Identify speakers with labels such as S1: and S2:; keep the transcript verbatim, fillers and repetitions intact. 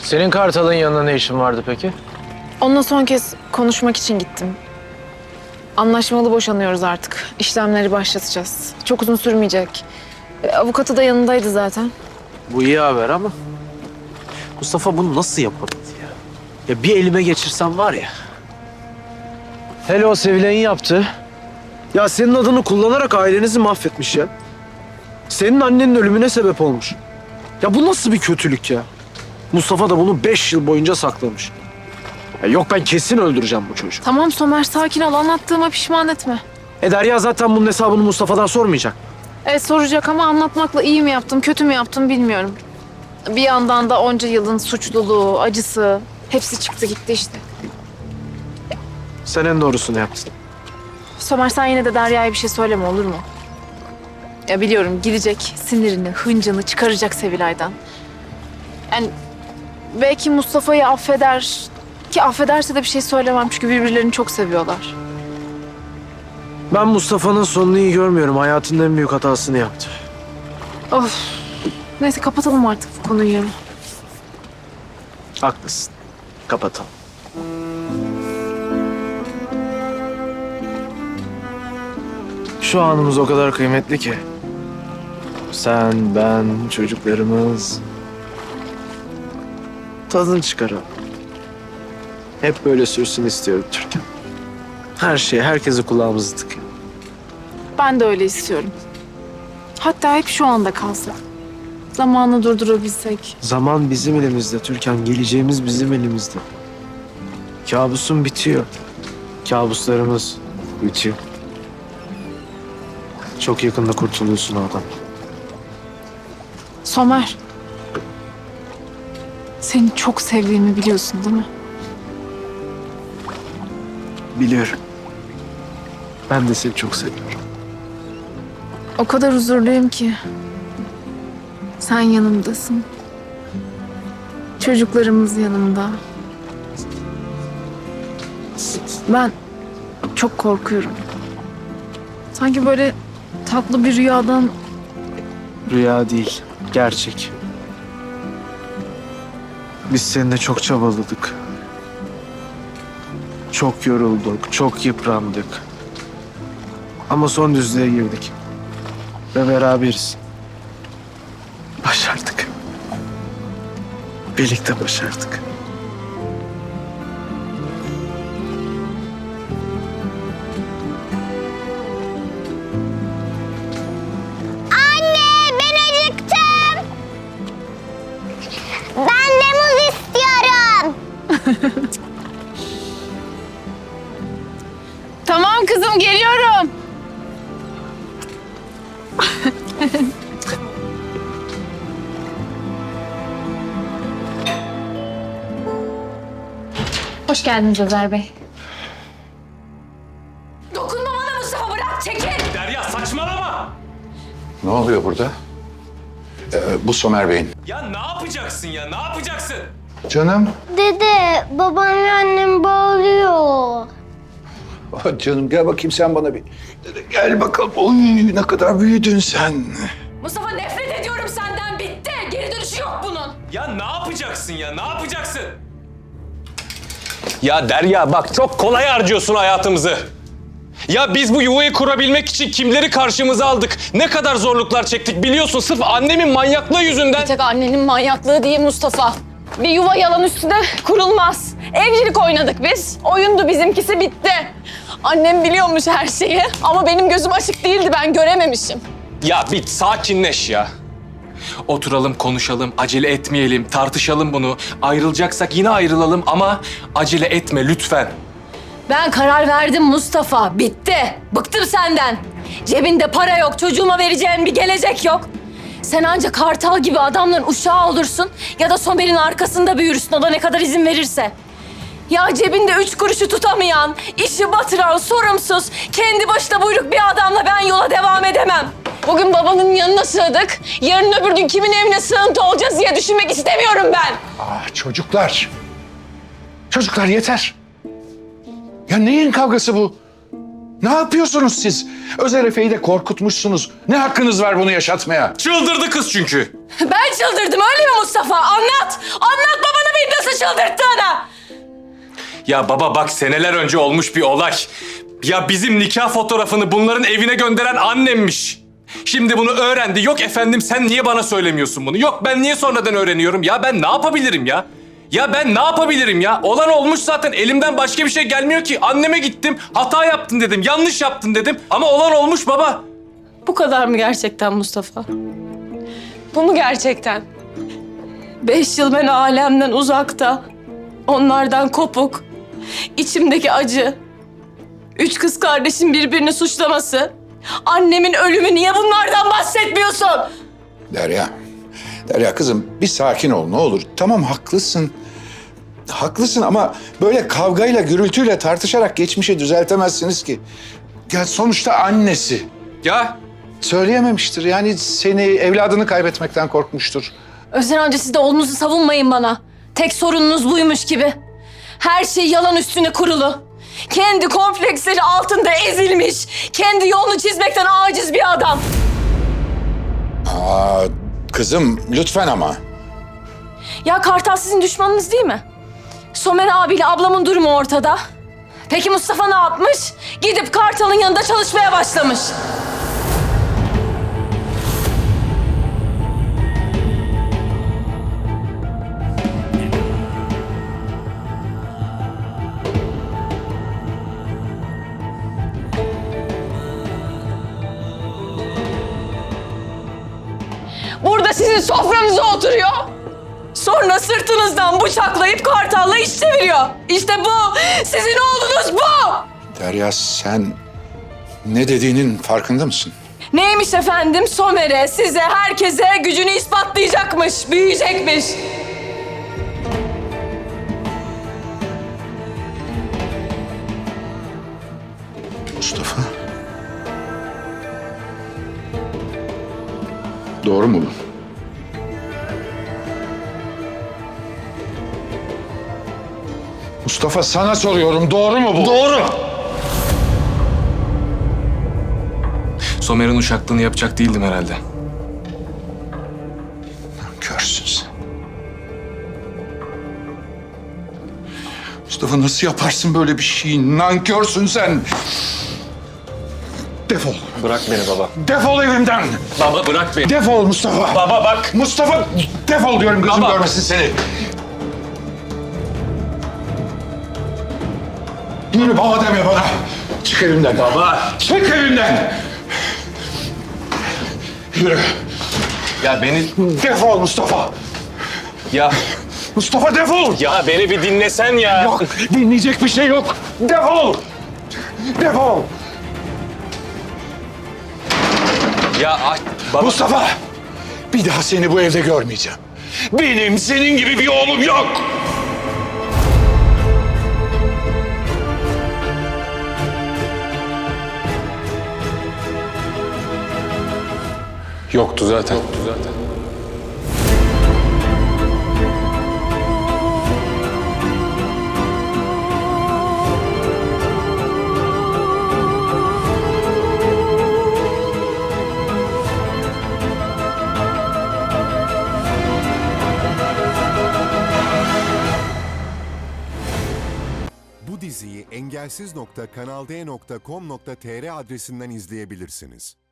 S1: Senin Kartal'ın yanına ne işin vardı peki?
S2: Onunla son kez konuşmak için gittim. Anlaşmalı boşanıyoruz artık. İşlemleri başlatacağız. Çok uzun sürmeyecek. E, Avukatı da yanındaydı zaten.
S1: Bu iyi haber ama Mustafa bunu nasıl yapabildi ya? Ya bir elime geçirsem var ya. Hele o Sevilay'ın yaptı. Ya senin adını kullanarak ailenizi mahvetmiş ya. Senin annenin ölümüne sebep olmuş. Ya bu nasıl bir kötülük ya? Mustafa da bunu beş yıl boyunca saklamış. Ya yok ben kesin öldüreceğim bu çocuğu.
S2: Tamam Somer, sakin ol. Anlattığıma pişman etme.
S1: E Derya zaten bunun hesabını Mustafa'dan sormayacak.
S2: Evet soracak ama anlatmakla iyi mi yaptım, kötü mü yaptım bilmiyorum. Bir yandan da onca yılın suçluluğu, acısı hepsi çıktı gitti işte.
S1: Sen en doğrusunu yaptın.
S2: Somer sen yine de Derya'ya bir şey söyleme olur mu? Ya biliyorum gidecek sinirini, hıncını çıkaracak Sevilay'dan. Yani belki Mustafa'yı affeder ki affederse de bir şey söylemem çünkü birbirlerini çok seviyorlar.
S1: Ben Mustafa'nın sonunu iyi görmüyorum. Hayatının en büyük hatasını yaptı.
S2: Of. Neyse kapatalım artık bu konuyu.
S1: Haklısın. Kapatalım. Şu anımız o kadar kıymetli ki. Sen, ben, çocuklarımız. Tadını çıkaralım. Hep böyle sürsün istiyorum Türkan. Her şeye, herkese kulağımızı tıkayım.
S2: Ben de öyle istiyorum. Hatta hep şu anda kalsa. Zamanı durdurabilsek.
S1: Zaman bizim elimizde Türkan. Geleceğimiz bizim elimizde. Kabusum bitiyor. Kabuslarımız bitiyor. Çok yakında kurtuluyorsun oradan.
S2: Somer. Seni çok sevdiğimi biliyorsun değil mi?
S1: Biliyorum. Ben de seni çok seviyorum.
S2: O kadar huzurluyum ki. Sen yanımdasın. Çocuklarımız yanımda. Ben çok korkuyorum. Sanki böyle tatlı bir rüyadan
S1: Rüya değil, gerçek. Biz seninle çok çabaladık. Çok yorulduk, çok yıprandık. Ama son düzlüğe girdik. Ve beraberiz. Başardık. Birlikte başardık.
S3: Anne ben acıktım. Ben de muz istiyorum.
S2: Tamam kızım geliyorum. Hoş geldiniz Özer Bey.
S4: Dokunma bana Mustafa, bırak, çekil.
S5: Derya saçmalama!
S6: Ne oluyor burada? Ee, bu Somer Bey'in.
S5: Ya ne yapacaksın ya, ne yapacaksın?
S6: Canım.
S3: Dede babam ve annem bağırıyor.
S6: Ah, canım gel bakayım sen bana bir. Gel bakalım. Oy ne kadar büyüdün sen.
S4: Mustafa nefret ediyorum senden, bitti. Geri dönüşü yok bunun.
S5: Ya ne yapacaksın ya, ne yapacaksın? Ya Derya bak çok kolay harcıyorsun hayatımızı. Ya biz bu yuvayı kurabilmek için kimleri karşımıza aldık? Ne kadar zorluklar çektik biliyorsun sırf annemin manyaklığı yüzünden.
S4: Bir tek annenin manyaklığı değil Mustafa. Bir yuva yalan üstüne kurulmaz. Evcilik oynadık biz. Oyundu bizimkisi, bitti. Annem biliyormuş her şeyi ama benim gözüm açık değildi, ben görememişim.
S5: Ya bir sakinleş ya. Oturalım, konuşalım, acele etmeyelim, tartışalım bunu. Ayrılacaksak yine ayrılalım ama acele etme lütfen.
S4: Ben karar verdim Mustafa, bitti. Bıktım senden. Cebinde para yok, çocuğuma vereceğin bir gelecek yok. Sen ancak Kartal gibi adamların uşağı olursun ya da Somer'in arkasında büyürsün, o da ne kadar izin verirse. Ya cebinde üç kuruşu tutamayan, işi batıran, sorumsuz, kendi başına buyruk bir adamla ben yola devam edemem. Bugün babanın yanına sığdık, yarın öbür gün kimin evine sığıntı olacağız diye düşünmek istemiyorum ben.
S6: Ah çocuklar. Çocuklar yeter. Ya neyin kavgası bu? Ne yapıyorsunuz siz? Özer Efe'yi de korkutmuşsunuz. Ne hakkınız var bunu yaşatmaya?
S5: Çıldırdı kız çünkü.
S4: Ben çıldırdım öyle mi Mustafa? Anlat! Anlat babana nasıl çıldırttığını.
S5: Ya baba bak seneler önce olmuş bir olay. Ya bizim nikah fotoğrafını bunların evine gönderen annemmiş. Şimdi bunu öğrendi. Yok efendim sen niye bana söylemiyorsun bunu? Yok ben niye sonradan öğreniyorum? Ya ben ne yapabilirim ya? Ya ben ne yapabilirim ya? Olan olmuş zaten. Elimden başka bir şey gelmiyor ki. Anneme gittim. Hata yaptın dedim. Yanlış yaptın dedim. Ama olan olmuş baba.
S4: Bu kadar mı gerçekten Mustafa? Bu mu gerçekten? Beş yıl ben alemden uzakta. Onlardan kopuk. İçimdeki acı. Üç kız kardeşin birbirini suçlaması. Annemin ölümü, niye bunlardan bahsetmiyorsun?
S6: Derya, Derya kızım bir sakin ol ne olur. Tamam haklısın. Haklısın ama böyle kavgayla, gürültüyle tartışarak geçmişi düzeltemezsiniz ki. Ya sonuçta annesi.
S5: Ya
S6: Söyleyememiştir. Yani seni, evladını kaybetmekten korkmuştur.
S4: Özden amca siz de oğlunuzu savunmayın bana. Tek sorununuz buymuş gibi. Her şey yalan üstüne kurulu. Kendi kompleksleri altında ezilmiş, kendi yolunu çizmekten aciz bir adam.
S6: Aa, kızım lütfen ama.
S4: Ya Kartal sizin düşmanınız değil mi? Somer abiyle ablamın durumu ortada. Peki Mustafa ne yapmış? Gidip Kartal'ın yanında çalışmaya başlamış. Burada sizin sofranıza oturuyor. Sonra sırtınızdan bıçaklayıp Kartal'la iş çeviriyor. İşte bu. Sizin oğlunuz bu.
S6: Derya sen ne dediğinin farkında mısın?
S4: Neymiş efendim? Somer'e, size, herkese gücünü ispatlayacakmış, büyüyecekmiş.
S6: Mustafa. Doğru mu bu? Mustafa sana soruyorum doğru mu bu?
S5: doğru. Somer'in uşaklığını yapacak değildim herhalde.
S6: Nankörsün sen. Mustafa nasıl yaparsın böyle bir şeyi? Nankörsün sen. Defol.
S5: Bırak beni baba.
S6: Defol evimden.
S5: Baba bırak beni.
S6: Defol Mustafa.
S5: Baba bak.
S6: Mustafa defol diyorum gözüm
S5: Baba.
S6: görmesin seni. Yürü baba deme bana. Çık evimden.
S5: Baba.
S6: Çık evimden. Yürü.
S5: Ya beni...
S6: Defol Mustafa.
S5: Ya...
S6: Mustafa defol.
S5: Ya beni bir dinlesen ya.
S6: Yok dinleyecek bir şey yok. Defol. Defol.
S5: Ya ay, baba...
S6: Mustafa. Bir daha seni bu evde görmeyeceğim. Benim senin gibi bir oğlum yok.
S5: Yoktu zaten. Yoktu zaten.
S7: Bu diziyi engelsiz nokta kanal d nokta com nokta tr adresinden izleyebilirsiniz.